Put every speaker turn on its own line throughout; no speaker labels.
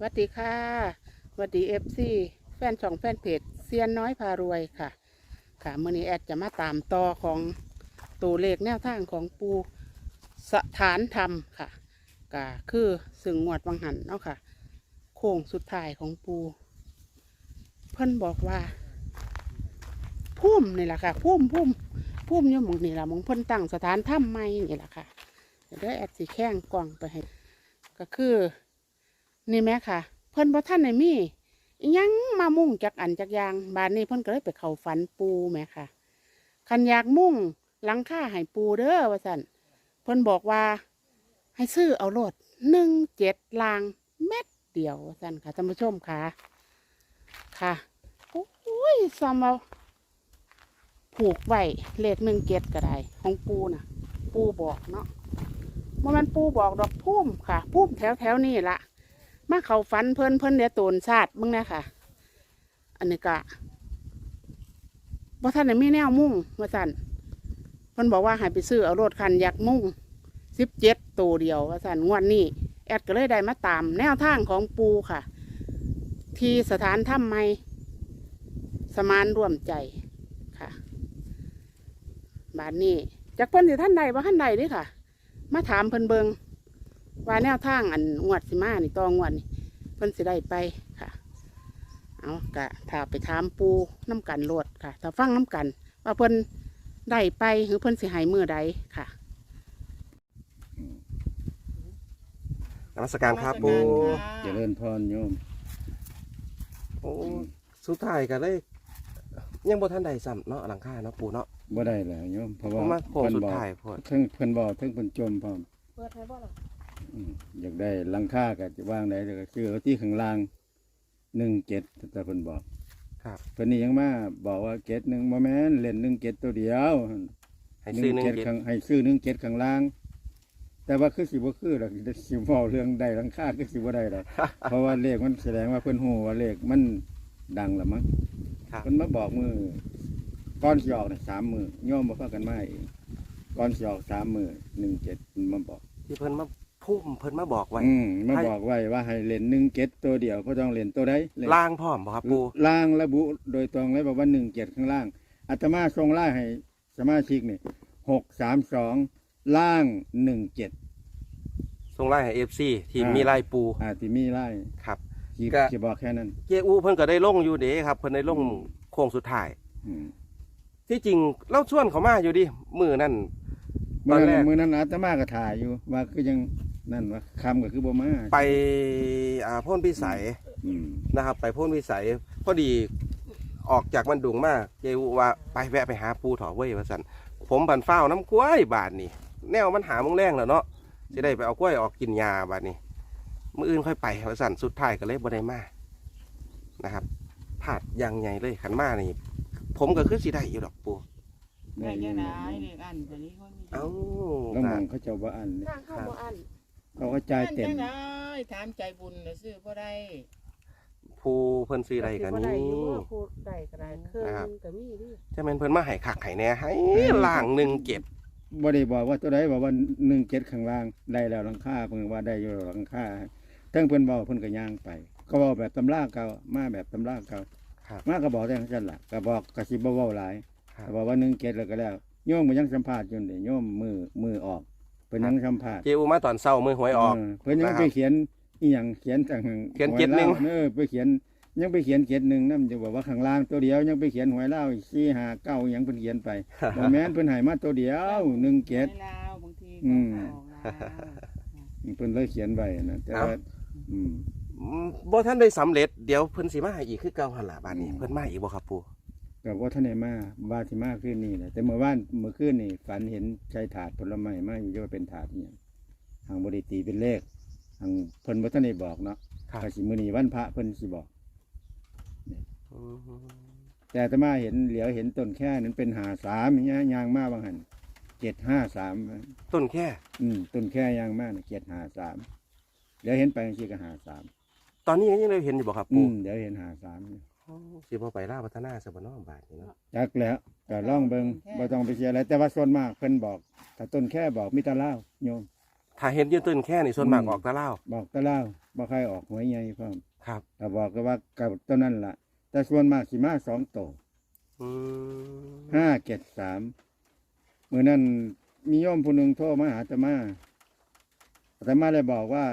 วัสดีค่ะสวัสดีFC แฟนช่องแฟนเพจเซียนน้อยพารวยค่ะมื้อนี้แอดจะมาตามต่อของตัวเลขแนวทางของปูสถานธรรมค่ะก็คือสึงงวดวังหันเนาะค่ะโค้งสุดท้ายของปูเพิ่นบอกว่าพุ่มนี่แหละค่ะพุ่มอยู่หมองนี่แหละหมองเพิ่นตั้งสถานธรรมใหม่นี่แหละค่ะเดี๋ยวแอดสิแข้งกล่องไปให้ก็คือนี่แม่ค่ะเพิ่นบ่ทันได้มีอิหยังมามุ่งจักอันจักอย่างบานนี้เพิ่นก็เลยไปเข้าฝันปูแม่ค่ะคันอยากมุ่งหลังคาให้ปูเด้อว่าซั่นเพิ่นบอกว่าให้ซื้อเอาโลด17ลางเม็ดเดียวว่าซั่นค่ะท่านผู้ชมค่ะโอ้ยซ้ำเอาผูกไว้เลข17ก็ได้ของปูน่ะปูบอกเนาะมันปูบอกดอกพุ่มค่ะพุ่มแถวนี่ละมาเขาฝันเพิ่นเดี๋ยวโตนชาติมึงนะค่ะอันนี้กะว่าท่านมีแนวมุ่งว่าสั่นเพิ่นบอกว่าให้ไปซื้อเอารถคันอยากมุ่ง17ตัวเดียวว่าสั่นงวดนี้แอดก็เลยได้มาตามแนวทางของปูค่ะที่สถานถ้ำไม้สมานร่วมใจค่ะบานนี้จากเพิ่นสิท่านใดว่าท่านใดนี่ค่ะมาถามเพิ่นเบิงว่าแนวทางอันงวดสิมานี่ตองวดนี่เพิ่นสิได้ไปค่ะเอากะถ้าไปถามปูน้ำกันโลดค่ะถ้าฟังน้ำกันว่าเพิ่นได้ไปหรือเพิ่นสิให้มือใดค่ะ
นมัสการครับปู
เจริญพรโยม
โอ้สุดท้ายก็เลยยังบ่ทันได้ซ้ำเนาะหลังคาเนาะปูเนาะ
บ่ได้แล้วโยมเพราะว่า
มาโค้งสุดท้ายพอด
เพิ่นเพิ่นบอกเพิ่นจมพร้อม
เปิดให้บ่ล่ะ
อยากได้หลังคาก็จะวางได้ก็คือเอาที่ข้างล่าง17แต่เพิ่นบอก
ครับ
เพิ่นนี่ยังมาบอกว่าเกต1บ่แม่นเล่น17ตัวเดียว
ให้ซื้อหนึ่ง
17ข้างให้ซื้อ17ข้างล่าง แต่ว่าคือสิบ่คือดอกสิเว้าเรื่องได้หลังคาคือสิบ่ได้ดอก เพราะว่าเลขมันแสดงว่าเพิ่นฮู้ว่าเลขมันดังแล้วมั้ง
ครับ
เพิ่นมาบอกมือก่อนสิออกนี่3มื้อโยมบ่พากันมาเองก่อนสิออก3มื้อ17เพิ่นมาบอก
ที่เพิ่นมาพุ่มเพิ่นมาบอกไว้
มาบอกไว้ว่าให้เล่น17ตัวเดียวบ่ต้องเล่นตัวใดเล่น
ล่างพร้อมบ่ครับปู
ล่างระบุโดยตรงเลยบอกว่า17ข้างล่างอาตมาส่งไล่ให้สมาชิกนี่632ล่าง17
ส่งไล่ให้ FC ที่มีไล่ปู
ที่มีไล่
ครับ
สิบอกแค่นั้น
เจอูเพิ่นก็ได้ลงอยู่เด้ครับเพิ่นได้ลงโค้งสุดท้าย
อืม
ที่จริงเล่าชวนเขามาอยู่ดิมื้อนั้นต
มื้
อ
อน
แร
นั้น
ก
มื้อนั้นอาตมาก็ถ่ายอยู่ว่าคือยังนั่นว่าคำก็คือบ่มา
ไปพ่นพิสัย
อืม
นะครับไปพ่นวิสัยพอดีออกจากมันดุงมากเจวว่าไปแวะไปหาปูถอเว้ยว่าสันผมบันเฝ้าน้ำกล้วยบาทนี่แนวมันหาโมงแรงแล้วเนาะจะได้ไปเอากล้วยออกกินยาบาทนี่มื้ออื่นค่อยไปว่าสันสุดท้ายก็เลยบ่ได้มานะครับผาดอยังไงเลยขันมานี่ผมก็คือสิได้อยู่ดอกปู
ได้ยังไงเลขอันตัวนี้เขามี
เอ้า
แล้วมองเขาเจ้าบ่อันนี่
ทางเข้าบ่อัน
เขาก็จ่ายเต็ม
ได้ถามใจบุญน่ะซื้อบ่ได้
ผู้เพิ่นซื้อใดกัน
บ่ได้
นี่
อยู่ว่าพูดได้ก็ได้เครื่องนึงก็มีดิ
จะเป็นเพิ่นมาให้คักให้แหน่ให้ล่างหนึ่งเก็บ
บ่ได้บอกว่าตัวใดบอกว่า17ข้างล่างได้แล้วหลังคาเพิ่นว่าได้อยู่หลังคาทั้งเพิ่นเว้าเพิ่นก็ย่างไปเขาเว้าแบบตำราเก่ามาแบบตำราเก่า
ครับ
มาก็บอกแต่จังซั่นล่ะก็บอกก็สิบ่เว้าหลาย
ครับ
ก็บอกว่า17แล้วก็แล้วโยมก็ยังสัมภาษณ์อยู่นี่โยมมือออกเพิ่นยังสัมภาษณ์
เจอูมาตอนเช้ามือหวยออก
เพิ่นยัง
นะครับ
ไปเขียนอีหยังเขียนจัง
เขียน
หว
เจ็ดหนึ่ง
ลาวไปเขียนยังไปเขียน7-1นำจะบอกว่าข้างล่างตัวเดียวยังไปเขียนหวยลาว4 5 9หยังเพิ่นเขียนไป บ่แม่นเพิ่นให้มาตัวเดียว17
ลาวบางที
อืม
ก็ออกลาว
เพิ่นเลยเขียนไว้นะแต่ว่าอืม
บ่ท่านได้สำเร็จเดี๋ยวเพิ่นสิมาให้อีกคือเก่าหั่นล่ะบาดนี้
อืม
เพิ่นมาอีกบ่ครับปู่
ก็บ่ทันได้มาว่าสิมาคืนนี้แหละแต่เมื่อคืนนี่ฝันเห็นใช้ถาดผลไม้มาอยู่ว่าเป็นถาดอีหยังทางบ่ได้ตีเป็นเลขทางเพิ่นบ่ทันได้บอกเนาะ
ครับ
ก็สิมื้อนี้วันพระเพิ่นสิบอก
อืม
แต่อาตมาเห็นเหลียวเห็นต้นแค่นั้นเป็น53อย่างเงี้ยยางมาบางหัน753
ต้นแค่
ต้นแค่ยางมาน่ะ753เดี๋ยวเห็นไปจังซี่ก็53
ตอนนี้ยังได้เห็นอยู่บ่ครับปู่
เดี๋ยวเห็น53อยู่
อ๋อสิบ่ไปลาวพัฒนาซะบ่เนาะบาดนี้เนาะ
จักแล้วก็ลองเบิ่งบ่ต้องไปเสียอะไรแต่ว่าส่วนมากเพิ่นบอกถ้าต้นแค่บอกมีแตะลาวโยม
ถ้าเห็นยืนต้นแค่นี่ส่วนมากออกตะเล่า
บอกตะเล่าบ่ใครออกหวยใหญ่พร้อม
ครับ
แต่บอกก็ว่ากับตัวนั้นล่ะ แต่ส่วนมากสิมา2 ตัว
อืม
573มื้อนั้นมีโยมผู้หนึงโทรมาหาอาตมาเลยบอกว่า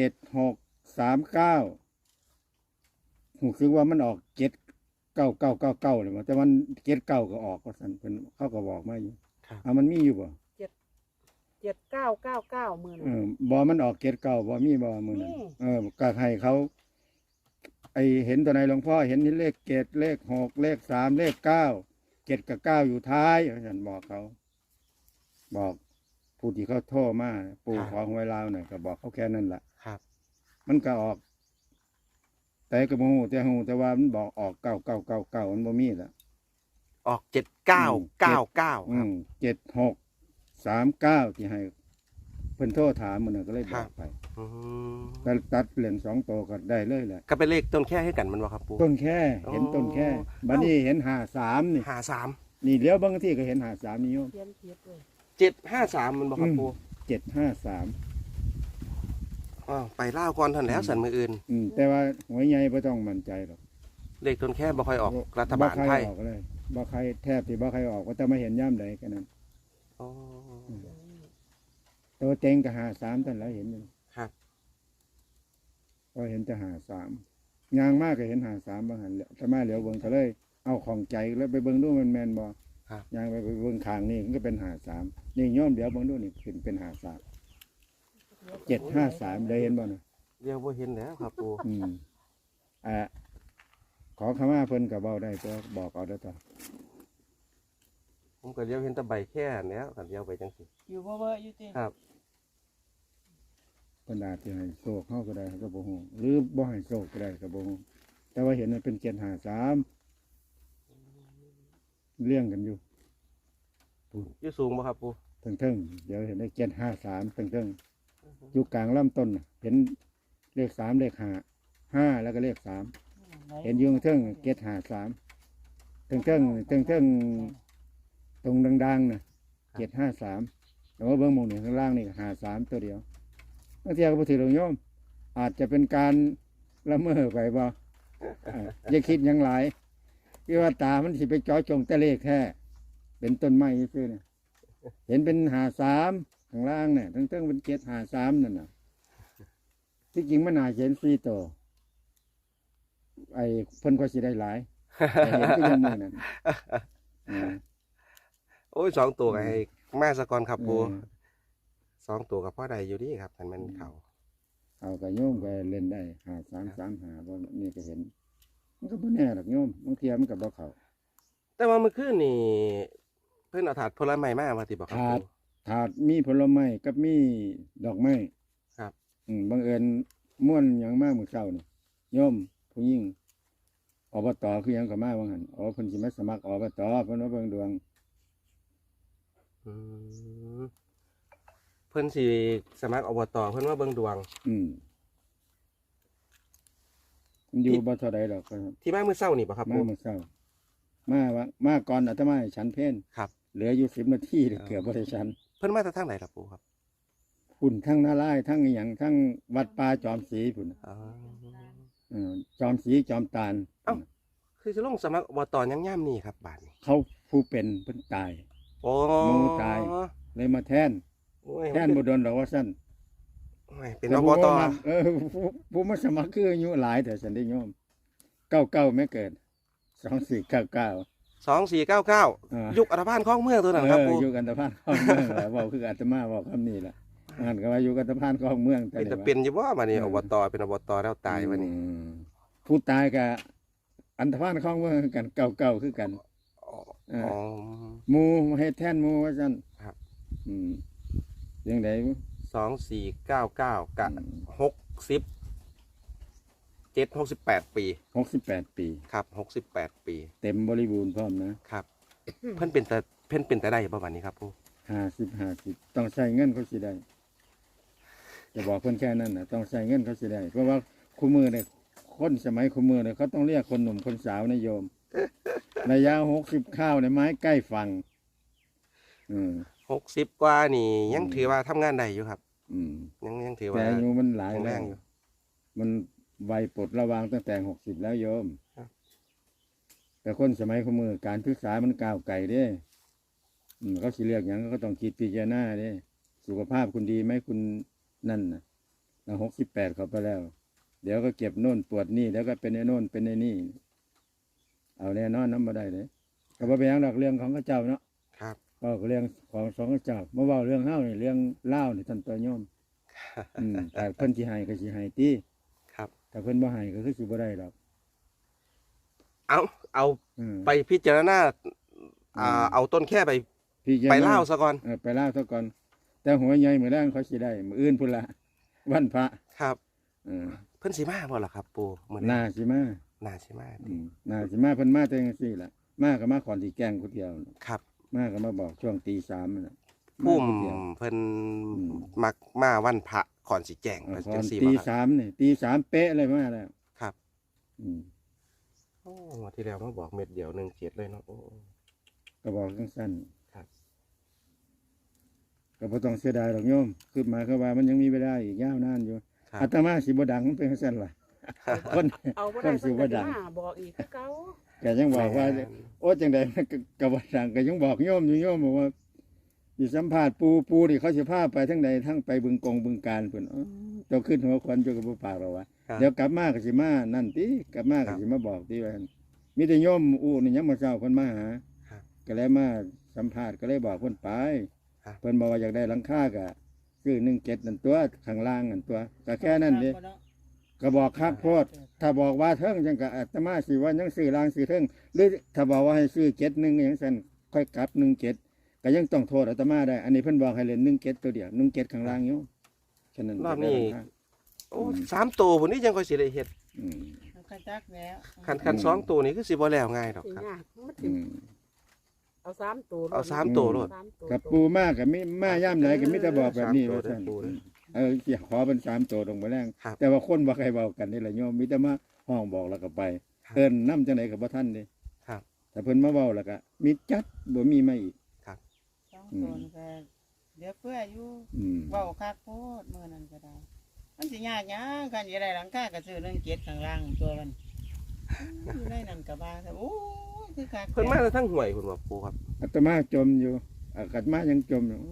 7639หูคือว่ามันออก7999เลยว่าแต่มัน79ก็ออกก็สั่นเพิ่นเขาก็บอกมาอยู่มันมีอยู่บ่
7999มื้อ
เอ
นั้น
บ่มันออก79บ่มีบ่มื้อนั้น
มี
ก็ให้เขา ไอเห็นตัวไหนหลวงพ่อเห็นเลข7เลข6เลข3เลข9 7กับ9อยู่ท้ายฉันบอกเขา บอกผู้ที่เขาโทรมาปู่ขอหวยลาวหน่อยก็บอกเขาแค่นั้นแหละ
ครับ
มันก็ออก แต่ก็บ่ฮู้แต่ว่ามันบอกออก9999มันบ่มีละ
ออก7999ครับ
7639ที่ให้เพิ่นโทรถามมันนะก็เลยบ
ครั
อบ กไป
อืม
แต่ตัดเหรียญ2ตัวก็ได้เลยแหละ
ก็เป็นเลขต้นแค่ให้กันมันบ่ครับปู
ต้นแค่เห็นต้นแค่บัดนี้เห็น53นี่
53
นี่เลี้ยวบางที่ก็เห็น53นี่โยม
เขียนผิดเลย
753มันบ่ครับปู
753
อ้าวไปล่าวก่อนทันแล้วสันมืออื่น
แต่ว่าหวยใหญ่บ่ต้องมั่นใจหรอก
เลขต้นแค่บ่ค่อยออกรัฐบาล
บ่ใคร
ไทย
ออกเลยบ่ใครแทบสิบ่ใครออกก็จะมาเห็นย่ำใดแค่นั้น
อ๋อ
ตัวเต็งก็53ท่านแล้วเห็นอยู่
ครับ
ก็เห็นจะ53ยางมากก็เห็น53บางหันถ้ามาเหลียวเบิ่งก็เลย เอาของใจแล้วไปเบิ่งดูมันแม่นบ่
ครับ
ยางไปเบิ่งข้างนี่มันก็เป็น53นี่โยมเดี๋ยวเบิ่งดูนี่ขึ้นเป็น53 753ได้เห็นบ่น่ะ
เดี๋ยวบ่เห็นแล้วครับปู
ขอขมาเพิ่นก็เว้าได้ตัวบอกเอาได้อตัว
ผมก็เลี้ยวเห็นแตะใบแค่แล้วกันเลี้ยวไปจังสิ
อยู่บ่เว้ออยู่ติ
ครับ
เพิ่นอาจสิให้โชคเฮาก็ได้ก็บ่ฮู้หรือบ่ให้โชคก็ได้ก็บ่ฮู้แต่ว่าเห็นมันเป็น753เลี้ยงกันอยู่
อยู่สูงบ่ครับปู
เทิงๆเดี๋ยวเห็นได้753เทิงๆอยู่กลางลำต้นน่ะเห็นเลข3เลข5แล้วก็เลข3เห็นอยู่เทิง753เทิงๆตรงดังๆน่ะ753แต่ว่าเบิ่งหมู่นี่ข้างล่างนี่53ตัวเดียวบางทีก็บ่ถือหรอกโยมอาจจะเป็นการละเมอไปบ่อย่าคิดหยังหลายคือว่าตามันสิไปเจ่อจงแต่เลขแท้เป็นต้นไม้ซื่อๆเนี่ยเห็นเป็น53ข้างล่างเนี่ยเทิงๆเป็น753นั่นน่ะที่จริงมันน่าจะเห็น4ตัวไอ้เพิ่นก็สิได้หลายแต่เห็นก็ยังมื้อนั้นอ่า
โอ้ย2ตัวก็ให้มาซะก่อนครับปู
เออ
2ตัวก็พอได้อยู่ดีครับคันมันเข้า
เอากระโยมก็เล่นได้5335บ่นี่ก็เห็น มันก็บ่แน่หรอกโยมบางเทีมันก็บ่เข้า
แต่ว่าเมื่อคืนนี่เพิ่นเอาถาดผลไม้มาว่าติบ่ครับ
ถาด
ปู
ถาดมีผลไม้กับมีดอกไม้
ครับ
บังเอิญม่วนหยังมามื้อเช้านี่โยมผู้หญิงอบตคือหยังก็มาว่าหั่นเพิ่นสิมาสมัครอบตเพิ่นว่าเบิ่งดวง
อืมเพิ่นสิสมัครอบตเพิ่นว่าเบิ่งดวง
มันอยู่บ่เท่าใดดอกครับ
ที่มามื้อเช้านี่บ่ครับ
มา
ปู
มื้อเช้ามาก่อนอาตมาให้ฉันเพล
ครับ
เหลืออยู่10นาทีเกือบบ่ได้ฉัน
เพิ่นมาจากทางไหนล่ะปูครับ
พุ่นทั้งนาลายณ์ทั้งอหยังทั้งวัดป่าจอมศรีพุ่น
อ๋อ
จอมศรีจอมตาล
เอ้า คือสิลงสมัครอบตยังย่ำนี่ครับบาดนี้
เขาผู้เป็นเพิ่นตาย
โอ้
หมู่ตาย เลยมาแทน
โอ้ย
แทนบ่โดนดอกว่าซั่น
โอ้ยเป็น
แต่
อบ
ผู้
ต
ว่าผู้มาสมัครคืออายุหลายแต่ฉันได้โยม99ไม่เกิด2499
2499ยุคอัฐบาลคลองเมืองตัวนั้นครับปู
อยู่กันตะพานของเมืองแหละเว้าคืออาตมาเว้าคำนี้ล่ะอ่านก็ว่าอยู่กันตะพานของเมือง
เป็น
นี่
จะ
ว่า
เป็นอยู่บ่บัดนี้อบตเป็นอบตแล้วตายวันนี้
ผู้ตายก็อันตะพานของเมืองคือกัน99คือกัน
อ๋อ
หมู่มาเฮ็ดแทนหมู่ว่าซั่น
ครับ
จังได๋
2499กับ68 ปี
68 ปี
ครับ68 ปี
เต็มบริบูรณ์พร้อมนะครับ
เพิ่นเป็นแต่ได้บ่บัดนี้ครับปู
50ต้องใช้เงินเขาสิได้จะบอกเพิ่นแค่นั้นน่ะต้องใช้เงินเขาสิได้เพราะว่าคู่มือเนี่ยคนสมัยคู่มือเนี่ยเขาต้องเรียกคนหนุ่มคนสาวนะโยม ระยะ60ข้าวในไม้ใกล้ฝั่ง
60กว่านี่ยังถือว่าทำงานได้อยู่ครับ
อืม
ยังถือ
แต่
ว่า
อายุมันหลาย
แข็งแร
แล้ว
งอยู่
มันวัยปลดระวางตั้งแต่60แล้วโยม
ครับ
แต่คนสมัยขมือการศึกษามันก้าวไกลเด้เขาสิเรียกอย่างก็ต้องคิดพิจารณาเด้สุขภาพคุณดีไหมคุณนั่นนะเรา68เข้าไปแล้ว เดี๋ยวก็เก็บโน่นปวดนี่เดี๋ยวก็เป็นไอ้โน่นเป็นไอ้นี่ เอาแน่นอนน้ำมาได้เลยก็บ่เป็นหยังดอกเรื่องของข้าเจ้าเนาะ
ครับ
เว้าก็เรื่องของสองข้าเจ้ามาเว้าเรื่องเฮานี่เรื่องเล่าวนี่ท่านตัวโยมแต่เพิ่นสิให้ก็สิให้ติ
ครับ
ถ้าเพิ่นบ่ให้ก็คือสิบ่ได้ดอก
เอา
อืม
ไปพิจารณาเอาต้นแค่ไป
พี่จะ
ไปเล่าซะก่อน
ไปเล่าซะก่อน แต่หัวใหญ่มื้อแรงเขาสิได้มื้ออื่นพุ่นละวันพระ
ครับ
เออ
เพิ่นสิมาบ่ล่ะครับ ปู่เหมือน
น่าสิมา
น่าสิมา
น่าสิมาเพิ่นมาแต่จังซี่ล่ะมาก็มาขอนที่แกล้งผู้เดียวน่ะ
ครับ
มาก็มาบอกช่วงตี 3นั่นน่ะ
พุ่ม
ผู้เดียว
เพิ่น
อืม
มักมาวันพระขอนสิแจ้ง
เออ
เพิ่น
ตอ
จั
น
งซี่
ตี
บ่ครับ
3นี่ตี 3เป๊ะเลยมาแล้ว
ครับ
อืม
โอ้งวดที่แล้วมาบอกเม็ดเดียว17เลยเนาะโอ้
ก็บอกสั้น
ครับ
ๆก็บ่ต้องเสียดายหรอกโยมคือหมายความว่ามันยังมีเวลาอีกยาวนานอยู่
ครับ
อาตมาสิบ่ดังมันเป็นจังซั่นล่ะคน
เอาบ่
ค
ได้
นสิ
เพิ่น
บ่
ก็
ดัง
มาบอกอีกคือเก่า
ก็ยังบอกว่า
แม่น
โอ้จังใดมันก็บ่ดังก็ยังบอกโยมอยู่โยมบอกว่าสิสัมภาษณ์ปูนี่เขาสิพาไปทั้งใดทั้งไปบึงกงบึงการเพิ่นอ๋อเจ้าขึ้นหัวควันเจ้าก็บ่ปากหรอกวะ
ครับ
เดี๋ยวกลับมาก็สิมานั่นติกลับมา
ครั
ก็
บ
สิมาบอกติว่ามีแต่โยมอู้นี่ยังมาเช้าเพิ่นมาหา
ครับ
ก็เลยมาสัมภาษณ์ก็เลยบอกเพิ่นไป
ครับ
เพิ่นบอกว่าอยากได้หลังคาก็คือ17นั่นตัวข้างล่างนั่นตัวก็แค่นั้นเด้ก็บอกครับโพดถ้าบอกว่าเทิงจังก็อาตมาสิว่ายังซื้อล่างซื้อเทิงหรือถ้าบอกว่าให้ซื้อ71อย่างซั่นค่อยกลับ17ก็ยังต้องโทษอาตมาได้ อันนี้เพิ่นบอกให้เล่น17ตัวเดียว17ข้างล่างอยู่ฉะนั้น
รอบนี้
จะได้หลังคา
โอ้3ตัวพุ่นนี่ยังค่อยสิได้เฮ็ด
อืม
กระจักแล้ว
คัน2ตัวนี่คือสิบ่แล้วง่ายดอก
สิ
ครับ
ยากมันสิ
อืม
เอา3ตัว
เอา3ตัวโลด
สามตัว
กับปูมากกับมิมาย่ำไหนกับมิตรบอกแบบนี้
3ตัว
ว่าซั่น
เด้อปู่เด้อ
สิขอเป็น3ตัวตรงไปแรง
ครับ
แต่ว่าคนบ่ใครเว้ากันนี่แหละโยมมีแต่มาห้องบอกแล้วก็ไป
ครับ
เอิ้นนำจังไดก็บ่ทันเด้
ครับ
แต่เพิ่นมาเว้าแล้วก็มีจัดบ่มีมาอีก
สองคนก็เดี๋ยวเพื่ออยู่
อืม
เว้าคักโพดมื้อนั้นก็ได้ มันสิยากหยังกันสิได้หลังคาก็ซื้อ17ข้างล่างตัวมันอยู่ในนั้นก็ว่าโอ้ยคือคัก
เพิ่นมาทั้งห่วยพุ่นว่าปู่ครับ
อาตมาจมอยู่อาตมายังจมอยู่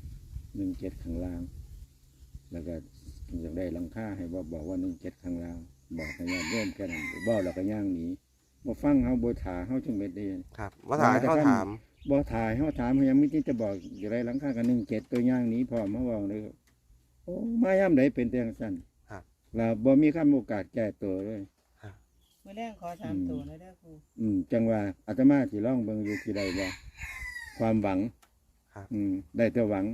17ข้างล่าง แล้วก็อยากได้หลังคาให้บอกว่า17ข้างล่าง บอกให้ญาติโยมแค่นั้นบ่แล้วก็ย่างหนีบ่ฟังเฮาบ่ท่าเฮาจังเม็ดเด้
ครับว่าถ่ายเขาถาม
บ่ถ่ายเฮาถามเฮายังมีที่จะบอกอยู่ไรหลังคากัน17ตัวอย่างนี้พร้อมมาเว้าเลยโอ้มายามใดเป็นแต่จังซั่น
ครับ
แล้วบ่มีคำโอกาสแก้ตัวเลย
มื้อแรงขอ3ตัวเลยเด้อครู
จังว่าอาตมาสิลองเบิ่งอยู่ที่ใดบ่ความหวัง
ครับ
ได้แต่หวัง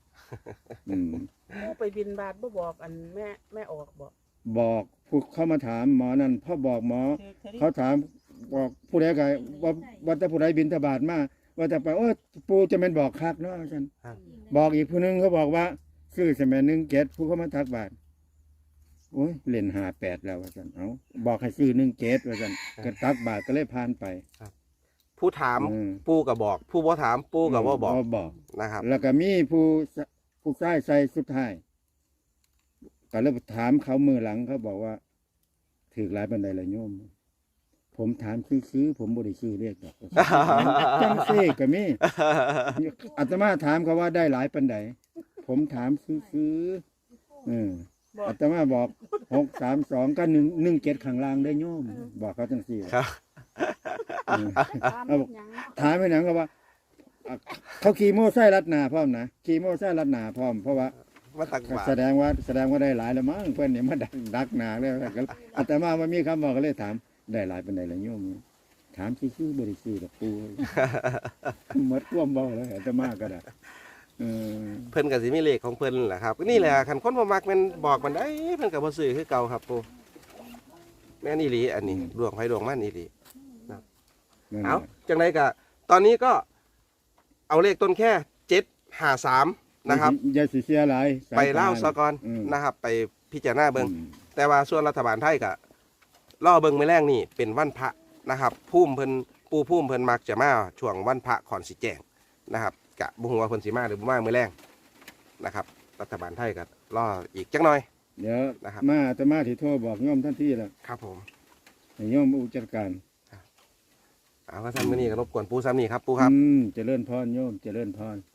ผู้ไปบินบาตบ่บอกอันแม่ออกบอก
บอกผู้เข้ามาถามหมอนั่นพอบอกหมอ
คือคดี
เขาถามบอกผู้ใดก็ว่าแต่ผู้ใดบินทบาทมาว่าแต่ไปโอ้ยปู่จะแม่นบอกคักเนาะซั่น
ครับ
บอกอีกผู้หนึงเขาบอกว่าซื้อสมัย17ผู้เข้ามาทักบาทโอ้ยเล่น58แล้วว่าซั่นเอ้าบอกให้ซื้อ17ว่าซั่นก็ตักบาทก็เลยผ่านไป
ผู้ถาม
อืม
ปู่ก็บอก ผู้บ่ถามปู่ก็บ่บอก
บอก
นะครับ
แล้วก็มีผู้ชายใส่สุดท้ายก็เลยถามเขามือหลังเขาบอกว่าถือหลายบันไดละโยม ผมถามซื้อผมบ่ได้ซื้อเลขดอกจังซี่ก็มีอาตมาถามเขาว่าได้หลายปันใดผมถามซื้ออาตมาบอก632ก็117ข้างล่างได้โยม บอกเขาจังซี่
ครับ
ตามหยัง
ถามไปหนังก็ว่าเขาขี่โม่ไส้ลัดหนาพร้อมนะขี่โม่ไส้ลัดหนาพร้อมเพราะว่า
มาตักบาตร
แสดงว่าได้หลายแล้วมั้งเพื่อนเนี่ยมาดักหนาเลยก็อาตมาว่ามีคำบอกก็เลยถามได้หลายเป็นไดละโยมถามซื้อบริสุทธิ์กับปูหมดร่วมเบาแล้วอาตมาก็ได้
เพิ่นก็สิมีเลขของเพิ่นแหละครับนี่แหละคันคนบ่มักแมันบอกมันได้เพิ่นก็บ่ซื้อคือเก่าครับปู่แม่นอีหลีอันนี้ดวงไผดวงมันอีหลีเอาจังไดก็ตอนนี้ก็เอาเลขต้นแค่753นะครับ
อย่าสิเสียหลาย
ไปเล่าซะก่อนนะครับ ไปพิจารณาเบิ่งแต่ว่าส่วนรัฐบาลไทยก็รอเบิ่งมื้อแรงนี่เป็นวันพระนะครับพุ่มเพิ่นมักจะมาช่วงวันพระก่อนสิแจ้งนะครับกะบ่ฮู้ว่าเพิ่นสิมาหรือบ่มามื้อแรงนะครับรัฐบาลไทยก็รออีกจักหน่อย
เดี๋ยว
นะครับ
มาอาตมาที่โทรบอกโยมท่านที่แล้ว
ครับผม
ให้โยมอุจัดการ
เอาว่าท่านมื้อนี้ก็รบกวนปูซ้ำนี่ครับปูครับ
เจริญพรโยมเจริญพร